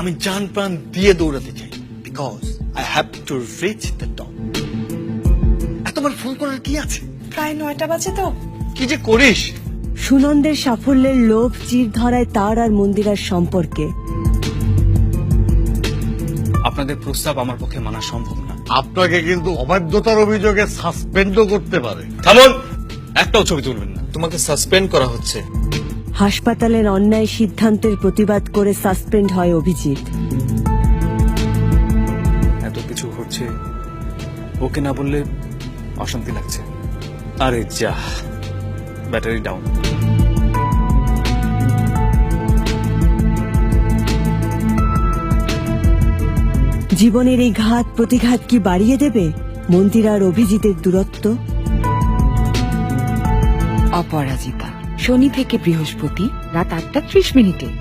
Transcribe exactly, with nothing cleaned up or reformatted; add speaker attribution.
Speaker 1: আমি জান প্রাণ দিয়ে দৌড়াতে চাই, because I have to reach the top. এতবার ফোন করার কি আছে?
Speaker 2: প্রায় নয়টা বাজে তো।
Speaker 1: কি যে করিস।
Speaker 3: সুনন্দের সাফল্যের লোভ চির ধরায় তার আর মন্দিরার সম্পর্কে।
Speaker 4: আপনাদের প্রস্তাব আমার পক্ষে মানা সম্ভব না।
Speaker 5: আপনাকে কিন্তু অবাধ্যতার অভিযোগে সাসপেন্ডও করতে পারে।
Speaker 4: থামুন, একটাও ছবি তুলবেন না। তোমাকে সাসপেন্ড করা হচ্ছে।
Speaker 3: হাসপাতালের অন্যায় সিদ্ধান্তের প্রতিবাদ করে সাসপেন্ড হয় অভিজিৎ।
Speaker 4: এত কিছু হচ্ছে, ওকে না বললে অশান্তি লাগছে। আরে যা, ব্যাটারি ডাউন।
Speaker 3: জীবনের এই ঘাত প্রতিঘাত কি বাড়িয়ে দেবে মন্দিরা আর অভিজিতের দূরত্ব?
Speaker 6: অপরাজিতা, শনি থেকে বৃহস্পতি রাত আটটা ত্রিশ মিনিটে।